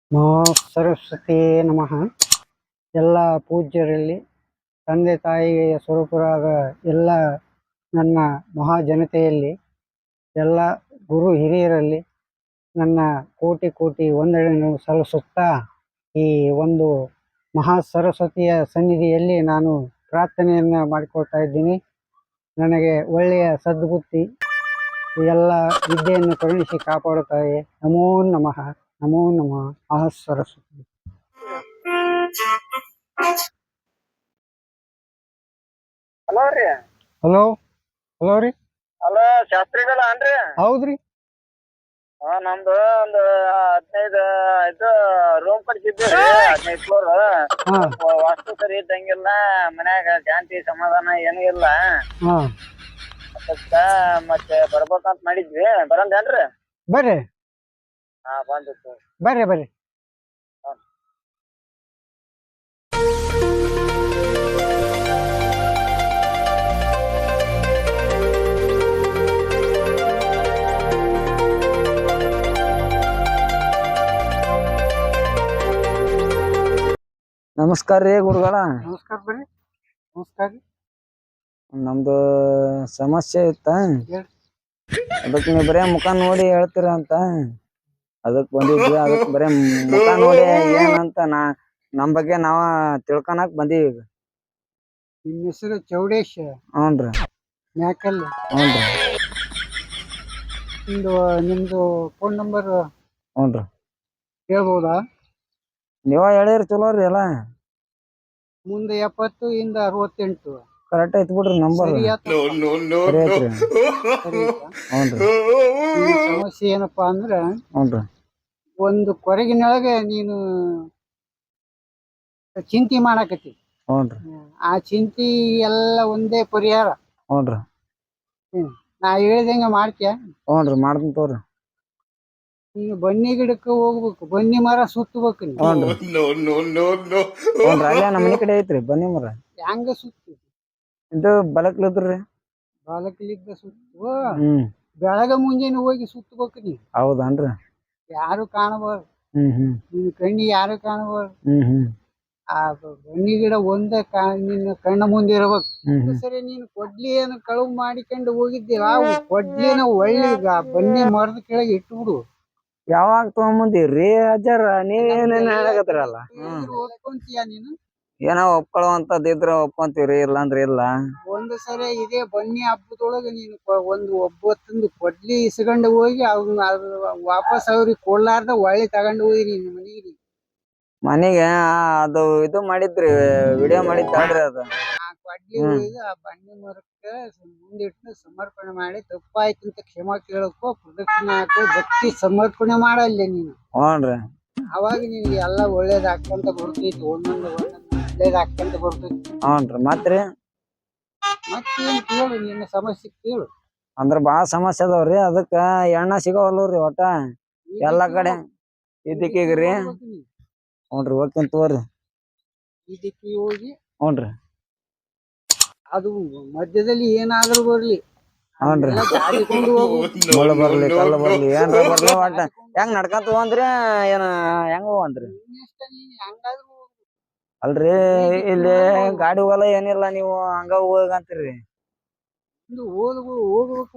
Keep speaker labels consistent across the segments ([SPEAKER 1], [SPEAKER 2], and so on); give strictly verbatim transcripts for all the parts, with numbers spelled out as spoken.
[SPEAKER 1] ನಮೋ ಸರಸ್ವತಿಯೇ ನಮಃ. ಎಲ್ಲ ಪೂಜ್ಯರಲ್ಲಿ, ತಂದೆ ತಾಯಿಯ ಸ್ವರೂಪರಾದ ಎಲ್ಲ ನನ್ನ ಮಹಾಜನತೆಯಲ್ಲಿ, ಎಲ್ಲ ಗುರು ಹಿರಿಯರಲ್ಲಿ ನನ್ನ ಕೋಟಿ ಕೋಟಿ ವಂದನೆಯನ್ನು ಸಲ್ಲಿಸುತ್ತಾ, ಈ ಒಂದು ಮಹಾ ಸರಸ್ವತಿಯ ಸನ್ನಿಧಿಯಲ್ಲಿ ನಾನು ಪ್ರಾರ್ಥನೆಯನ್ನು ಮಾಡಿಕೊಳ್ತಾ ಇದ್ದೀನಿ. ನನಗೆ ಒಳ್ಳೆಯ ಸದ್ಬುದ್ಧಿ, ಎಲ್ಲ ವಿದ್ಯೆಯನ್ನು ಕರುಣಿಸಿ ಕಾಪಾಡುತ್ತಾರೆ. ನಮೋ ನಮಃ, ನಮೋ ನಮಃ. ಮಹಾ ಸರಸ್ವತಿ.
[SPEAKER 2] ಹಲೋ ರೀ.
[SPEAKER 1] ಹಲೋ ಹಲೋ ರೀ.
[SPEAKER 2] ಹಲೋ ಶಾಸ್ತ್ರಿಗಳ ಅನ್ರಿ?
[SPEAKER 1] ಹೌದ್ರಿ.
[SPEAKER 2] ಹಾ, ನಮ್ದು ಒಂದು ಹದಿನೈದು ಇದು ರೂಮ್ ಕಟ್ಸಿದ್ದೀವಿ, ಹದಿನೈದು ಫ್ಲೋರ್. ವಾಸ್ತು ಸರಿ ಇದ್ದಂಗಿಲ್ಲ, ಮನ್ಯಾಗ ಶಾಂತಿ ಸಮಾಧಾನ ಏನೂ ಇಲ್ಲ.
[SPEAKER 1] ಹಾ,
[SPEAKER 2] ಅದಕ್ಕ ಮತ್ತೆ ಬರ್ಬೇಕಂತ ಮಾಡಿದ್ವಿ. ಬರಂದೇನ್ರಿ?
[SPEAKER 1] ಬರ್ರಿ
[SPEAKER 2] ಹಾ, ಬಂದಿತ್ತು.
[SPEAKER 1] ಬರ್ರಿ ಬರ್ರಿ.
[SPEAKER 3] ನಮಸ್ಕಾರ ರೀ ಗುರುಗಳ.
[SPEAKER 1] ನಮಸ್ಕಾರ ಬರ್ರಿ. ನಮಸ್ಕಾರ ರೀ.
[SPEAKER 3] ನಮ್ದು ಸಮಸ್ಯೆ ಇತ್ತ,
[SPEAKER 1] ಹೇಳ್ರಿ.
[SPEAKER 3] ಅದಕ್ಕೆ ನೀವು ಬರೇ ಮುಖ ನೋಡಿ ಹೇಳ್ತೀರ ಅಂತ ಅದಕ್ ಬಂದಿದ್ವಿ. ಅದಕ್ ಬರೇ ಮುಖ ನೋಡಿ ಏನಂತ ನಾ ನಮ್ ಬಗ್ಗೆ ನಾವ ತಿಳ್ಕೊಳಕ್ ಬಂದೀವಿ ಈಗ.
[SPEAKER 1] ನಿಮ್ಮ ಹೆಸರು ಚೌಡೇಶ್
[SPEAKER 3] ಹ್ಞೂನ್ರಿ.
[SPEAKER 1] ಮ್ಯಾಕಲ್.
[SPEAKER 3] ಹ್ಞೂನ್ರಿ.
[SPEAKER 1] ನಿಮ್ದು ನಿಮ್ದು ಫೋನ್ ನಂಬರ್
[SPEAKER 3] ಹ್ಞೂನ್ರಿ.
[SPEAKER 1] ಹೇಳ್ಬೋದಾ?
[SPEAKER 3] ನೀವ ಹೇಳಿರಿ ಚಲೋ ರೀ. ಎಲ್ಲ
[SPEAKER 1] ಮುಂದೆ ಎಪ್ಪತ್ತು ಇಂದ ಅರವತ್ತೆಂಟು
[SPEAKER 3] ಕರೆಕ್ಟ್ ಐತಿ ಬಿಡ್ರಿ ನಂಬರ್.
[SPEAKER 1] ಸರಿ ಆತ?
[SPEAKER 3] ಸರಿ ಐತ್ರಿ.
[SPEAKER 1] ಸರಿ ಆಯ್ತಾ?
[SPEAKER 3] ಹ್ಞೂನ್ರಿ.
[SPEAKER 1] ನಿನ್ನ ಸಮಸ್ಯೆ ಏನಪ್ಪಾ ಅಂದ್ರೆ,
[SPEAKER 3] ಹ್ಞೂನ್ರಿ.
[SPEAKER 1] ಒಂದು ಕೊರಗಿನೊಳಗೆ ನೀನು ಚಿಂತೆ ಮಾಡಾಕತ್ತಿ.
[SPEAKER 3] ಹ್ಞೂನ್ರಿ.
[SPEAKER 1] ಆ ಚಿಂತೆ ಎಲ್ಲ ಒಂದೇ ಪರಿಹಾರ.
[SPEAKER 3] ಹ್ಞೂನ್ರಿ.
[SPEAKER 1] ಹ್ಮ್ ನಾ ಹೇಳ್ದಂಗ ಮಾಡ್ತೀಯ?
[SPEAKER 3] ಹ್ಞೂನ್ರಿ, ಮಾಡ್ತೀನಿ ತಗೋರಿ.
[SPEAKER 1] ನೀನು ಬನ್ನಿ ಗಿಡಕ್ಕೆ ಹೋಗ್ಬೇಕು, ಬನ್ನಿ ಮರ ಸುತ್ತಬೇಕು. ನೀನು
[SPEAKER 3] ಹ್ಞೂನ್ರಿ. ಹ್ಞೂನ್ರಿ, ಅಲ್ಲೇ ನಮ್ಮ ಮನೆ ಕಡೆ ಐತ್ರಿ ಬನ್ನಿ ಮರ.
[SPEAKER 1] ಹೆಂಗ ಸುತ್ತಿ?
[SPEAKER 3] ಇದು ಬಲಕ್ಲದ್ರಿ.
[SPEAKER 1] ಬಾಲಕಲಿದ್ದ ಸುತ್ತು.
[SPEAKER 3] ಹ್ಮ್
[SPEAKER 1] ಬೆಳಗ ಮುಂಜಾನೆ ಹೋಗಿ ಸುತ್ತಬೇಕು ನೀ.
[SPEAKER 3] ಹೌದನ್ರಿ.
[SPEAKER 1] ಯಾರು ಕಾಣಬಾರ್ದು,
[SPEAKER 3] ಹ್ಮ್ ಹ್ಮ್
[SPEAKER 1] ನಿನ್ನ ಕಣ್ಣಿಗೆ ಯಾರು ಕಾಣಬಾರ್ದು.
[SPEAKER 3] ಹ್ಮ್ ಹ್ಮ್
[SPEAKER 1] ಆ ಬನ್ನಿ ಗಿಡ ಒಂದೇ ಕಾ ನಿನ್ನ ಕಣ್ಣ ಮುಂದೆ ಇರ್ಬೇಕು.
[SPEAKER 3] ಹ್ಮ್ ಹ್ಮ್
[SPEAKER 1] ಸರಿ, ನೀನು ಕೊಡ್ಲಿಯನ್ನು ಕಳುವು ಮಾಡಿಕೊಂಡು ಹೋಗಿದ್ದೀರ, ಆ ಕೊಡ್ಲಿನ ಒಳ್ಳೆ ಬನ್ನಿ ಮರದ ಕೆಳಗೆ ಇಟ್ಬಿಡು.
[SPEAKER 3] ಯಾವಾಗ ತಗೊಂಬಂದಿರಿ ಅಜ್ಜಾರ? ನೀವೇನೇನ್ ಹೇಳಕತ್ತಿರಲ್ಲ. ಹ್ಮ್
[SPEAKER 1] ಓದ್ಕೊಂತೀಯ ನೀನು?
[SPEAKER 3] ಏನೋ ಒಪ್ಕೊಳ್ಳುವಂತದ್ ಇದ್ರ ಒಪ್ಕೊಂತೀವ್ರಿ, ಇಲ್ಲಾಂದ್ರ ಇಲ್ಲ.
[SPEAKER 1] ಒಂದು ಸರಿ ಇದೇ ಬನ್ನಿ ಹಬ್ಬದೊಳಗೆ ನೀನು ಕೊ- ಒಂದು ಒಬ್ಬತ್ತೊಂದು ಕೊಡ್ಲಿ ಇಸ್ಕೊಂಡು ಹೋಗಿ ಅವ್ನ ಅದು ವಾಪಸ್ ಅವ್ರಿಗೆ ಕೊಡ್ಲಾರ್ದ ಒಳ್ಳೆ ತಗೊಂಡು ಹೋಗಿ ನಿನ್ನ ಮನೆಗೆ.
[SPEAKER 3] ಮನೆಗೆ ಅದು ಇದು ಮಾಡಿದ್ರಿ, ವಿಡಿಯೋ ಮಾಡಿದ್ದಾಳ್ರಿ ಅದು.
[SPEAKER 1] ಆ ಕೊಡ್ಲಿ ಒಯ್ದು ಆ ಬನ್ನಿ ಮರಕ್ಕೆ ಮುಂದಿಟ್ಟು ಸಮರ್ಪಣೆ ಮಾಡಿ, ತಪ್ಪಾಯ್ತು ಅಂತ ಕ್ಷಮಾ ಕೇಳಕ್ಕೋ, ಪ್ರದಕ್ಷಿಣೆ ಹಾಕೋ, ಭಕ್ತಿ ಸಮರ್ಪಣೆ ಮಾಡಲ್ಲ ನೀನು.
[SPEAKER 3] ಹ್ಞೂನ್ರಿ.
[SPEAKER 1] ಅವಾಗ ನಿನ್ಗೆ ಎಲ್ಲ ಒಳ್ಳೇದಾಗ್ತಂತ ಬರ್ತೈತಿ. ಒಂದೊಂದು ಒಂದೊಂದು ಒಳ್ಳೇದಾಗ್ತಂತ ಬರ್ತೈತಿ.
[SPEAKER 3] ಹ್ಞೂನ್ರಿ. ಮತ್ರಿ
[SPEAKER 1] ಮತ್ತೇನ್ ಕೇಳು, ನಿನ್ನ ಸಮಸ್ಯೆ ಕೇಳು.
[SPEAKER 3] ಅಂದ್ರ ಬಾಳ ಸಮಸ್ಯೆ ಅದಾವ್ರಿ. ಅದಕ್ಕ ಎಣ್ಣ ಸಿಗವಲ್ರಿ ಒಟ್ಟ ಎಲ್ಲಾ ಕಡೆ. ಇದಕ್ಕೀಗ್ರಿ.
[SPEAKER 1] ಹೋಗ್ಬೇಕು ನೀನು.
[SPEAKER 3] ಹ್ಞೂನ್ರಿ, ಹೋಗ್ತೀನಿ ತಗೋರಿ.
[SPEAKER 1] ಇದಕ್ಕೆ ಹೋಗಿ
[SPEAKER 3] ಹ್ಞೂನ್ರಿ.
[SPEAKER 1] ಅದು ಮಧ್ಯದಲ್ಲಿ ಏನಾದ್ರೂ ಬರ್ಲಿ,
[SPEAKER 3] ಹ್ಞೂನ್ರಿ.
[SPEAKER 1] ಅದನ್ನೆಲ್ಲ ದಾಟಿಕೊಂಡು ಹೋಗ್ಬೇಕು.
[SPEAKER 3] ಮುಳ್ಳು ಬರ್ಲಿ, ಕಲ್ಲು ಬರ್ಲಿ, ಏನ್ರ ಬರ್ಲಿ, ಒಟ್ಟ ಹೆಂಗ್ ನಡ್ಕಂತ ಹೋಗಂದ್ರಿ ಏನ ಹೆಂಗ ಹೋಗಂದ್ರಿ?
[SPEAKER 1] ನಿನ್ನಿಷ್ಟ, ನೀನ್ ಹೆಂಗಾದ್ರೂ ಹೋಗು.
[SPEAKER 3] ಅಲ್ರಿ, ಇಲ್ಲಿ ಗಾಡಿ ಹೋಗಲ್ಲ ಏನಿಲ್ಲ, ನೀವು ಹಂಗ ಹೋಗಂತೀರಿ.
[SPEAKER 1] ಒಂದು ಓದ್ಬೋ ಹೋಗ್ಬೇಕು.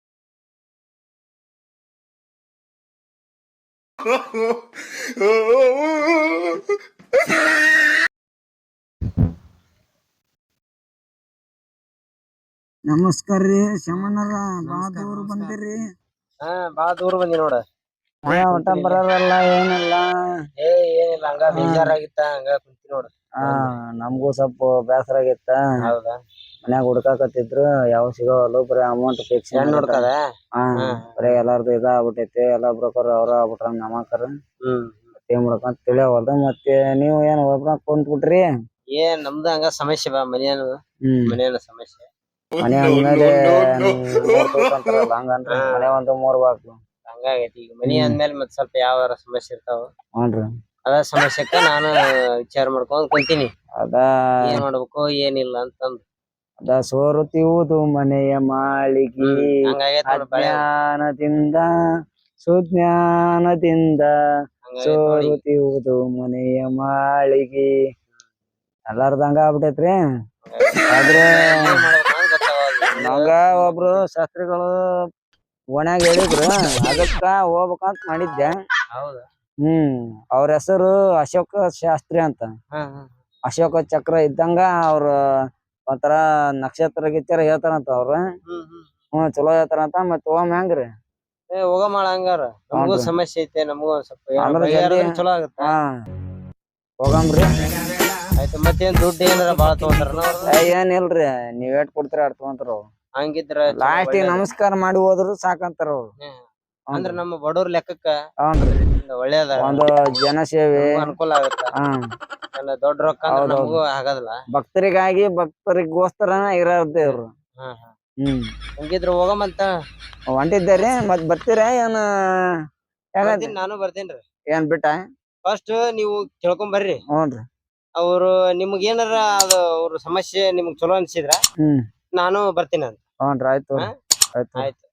[SPEAKER 3] ನಮಸ್ಕಾರ ರೀ ಶಮಣ್ಣರ. ಬಾಳ ದೂರ ಬಂದಿರಿ.
[SPEAKER 2] ಹಾ, ಬಾಳ ದೂರ ಬಂದಿ ನೋಡ.
[SPEAKER 3] ಒಟ್ಟ ಬರಲ್ಲ ಏನಿಲ್ಲ.
[SPEAKER 2] ಏ ಏನಿಲ್ಲ, ಹಂಗ ಬೇಜಾರಾಗಿತ್ತ, ಹಂಗ ಕುಂತಿ ನೋಡ.
[SPEAKER 3] ಹಾ, ನಮಗೂ ಸ್ವಲ್ಪ ಬೇಸರ ಆಗಿತ್ತ.
[SPEAKER 2] ಹೌದಾ?
[SPEAKER 3] ಮನ್ಯಾಗ ಹುಡ್ಕಾಕತ್ತಿದ್ರು, ಯಾವ ಸಿಗೋವಲ್ಲು. ಬರೀ ಅಮೌಂಟ್ ಫಿಕ್ಸ್
[SPEAKER 2] ನೋಡ್ಕದ.
[SPEAKER 3] ಹಾ, ಬರೀ ಎಲ್ಲಾರ್ದು ಇದ ಆಗ್ಬಿಟ್ಟೈತಿ. ಎಲ್ಲಾ ಬ್ರೋಕರ್ ಅವ್ರ ಆಗ್ಬಿಟ್ರ ನಮಕರ್.
[SPEAKER 2] ಹ್ಮ್
[SPEAKER 3] ಏನ್ ಮಾಡ್ಕೊಂತ ತಿಳಿಯವಲ್ದು. ಮತ್ತೆ ನೀವು ಏನ್ ಒಬ್ರ ಕುಂತ್ ಬಿಟ್ರಿ?
[SPEAKER 2] ಏನ್ ನಮ್ದು ಹಂಗ ಸಮಸ್ಯೆ ಬಾ, ಮನೆಯನು
[SPEAKER 3] ಹ್ಮ್
[SPEAKER 2] ಮನೆಯನ್ನ ಸಮಸ್ಯೆ.
[SPEAKER 3] ಮನೆ ಅಂದ್ಮೇಲೆ ಮೂರ್ ತೋರ್ಕಂತಾರಲ್ಲ, ಹಂಗನ್ರಿ. ಮನೆ ಒಂದು ಮೂರ್ ಬಾಕ್ಲು
[SPEAKER 2] ಹಂಗಾಗೈತಿ. ಈಗ ಮನಿ ಅಂದ್ಮೇಲೆ ಮತ್ ಸ್ವಲ್ಪ ಯಾವ ಸಮಸ್ಯೆ ಇರ್ತಾವ.
[SPEAKER 3] ಹ್ಞೂನ್ರಿ.
[SPEAKER 2] ಅದ ಸಮಸ್ಯೆಕ್ಕ ನಾನು ವಿಚಾರ ಮಾಡ್ಕೊಂಡ್ ಕುಂತೀನಿ,
[SPEAKER 3] ಅದ
[SPEAKER 2] ಏನ್ ಮಾಡ್ಬೇಕು ಏನಿಲ್ಲ ಅಂತಂದು.
[SPEAKER 3] ಅದ ಸೋರುತ್ತಿರುವುದು ಮನೆಯ ಮಾಳಿಗೆ,
[SPEAKER 2] ಹಂಗಾಗೈತಿ ನೋಡ್ ಬಾಳೆ.
[SPEAKER 3] ಅಜ್ಞಾನದಿಂದ ಸುಜ್ಞಾನದಿಂದ ಸೋರುತ್ತಿರುವುದು ಮನೆಯ ಮಾಳಿಗೆ ಎಲ್ಲಾರ್ದಂಗ ಆಗ್ಬಿಟ್ಟೈತ್ರಿ. ಆದ್ರೆ ನಮ್ಗ ಒಬ್ರು ಶಾಸ್ತ್ರಿಗಳು ಓಣ್ಯಾಗ ಹೇಳಿದ್ರು, ಅದಕ್ಕ ಹೋಗ್ಬೇಕಂತ ಮಾಡಿದ್ದೆ. ಹ್ಮ್ ಅವ್ರ ಹೆಸರು ಅಶೋಕ ಶಾಸ್ತ್ರಿ ಅಂತ. ಅಶೋಕ ಚಕ್ರ ಇದ್ದಂಗ ಅವ್ರ ಒಂಥರ ನಕ್ಷತ್ರ ಗಿಚ್ಚರ ಹೇಳ್ತಾರಂತ ಅವ್ರು. ಹ್ಮ್ ಚಲೋ ಹೇಳ್ತಾರಂತ. ಮತ್ ಹೋಗಮ್ ಹೆಂಗ್ರಿ?
[SPEAKER 4] ಹೋಗಮಾಳ ಹಂಗಾರ. ನಮಗೂ ಸಮಸ್ಯೆ ಐತೆ, ನಮಗೂ ಸ್ವಲ್ಪ ಚಲೋ ಆಗುತ್ತ.
[SPEAKER 3] ಹಾ ಹೋಗಮ್ರಿ.
[SPEAKER 4] ಆಯ್ತು. ಮತ್ತೇನ್ ದುಡ್ಡು ಏನಾರ ಬಾಳ ತಗೊಂತಾರ?
[SPEAKER 3] ಏನಿಲ್ರಿ, ನೀವ್ ಏಟ್ ಕೊಡ್ತೀರ ಅಟ್ ತಗೊಂತಾರ.
[SPEAKER 4] ಹಂಗಿದ್ರ
[SPEAKER 3] ಲಾಸ್ಟ್ ನಮಸ್ಕಾರ ಮಾಡಿ ಹೋದ್ರು ಸಾಕಂತಾರ ಅವ್ರು.
[SPEAKER 4] ಅಂದ್ರ ನಮ್ಮ ಬಡವ್ರ ಲೆಕ್ಕಕ್ಕ
[SPEAKER 3] ಹ್ಞೂನ್ರಿ
[SPEAKER 4] ಒಳ್ಳೇದ,
[SPEAKER 3] ಒಂದು ಜನಸೇವೆ
[SPEAKER 4] ಅನುಕೂಲ ಆಗತ್ತ.
[SPEAKER 3] ಹ್ಮ್
[SPEAKER 4] ದೊಡ್ಡ ರೊಕ್ಕ ನಮಗೂ ಆಗೋದಿಲ್ಲ.
[SPEAKER 3] ಭಕ್ತರಿಗಾಗಿ ಭಕ್ತರಿಗೋಸ್ಕರನ ಇರೋದೇ ಇವ್ರು. ಹ್ಮ್
[SPEAKER 4] ಹಂಗಿದ್ರ ಹೋಗಮಂತ
[SPEAKER 3] ಹೊಂಟಿದ್ದಾರಿ. ಮತ್ ಬರ್ತೀರ ಏನ?
[SPEAKER 4] ನಾನು ಬರ್ತೇನ್ರಿ.
[SPEAKER 3] ಏನ್ ಬಿಟ್ಟ?
[SPEAKER 4] ಫಸ್ಟ್ ನೀವು ಕೇಳ್ಕೊಂಡ್ ಬರ್ರಿ.
[SPEAKER 3] ಹ್ಞೂನ್ರಿ.
[SPEAKER 4] ಅವ್ರು ನಿಮ್ಗ ಏನಾರ ಅದು ಅವ್ರ ಸಮಸ್ಯೆ ನಿಮ್ಗ್ ಚಲೋ ಅನ್ಸಿದ್ರ
[SPEAKER 3] ಹ್ಮ್
[SPEAKER 4] ನಾನು ಬರ್ತೀನಿ ಅಂತ.
[SPEAKER 3] ಹ್ಞೂನ್ರಿ ಆಯ್ತು. ಆಯ್ತು.
[SPEAKER 4] ಆಯ್ತು.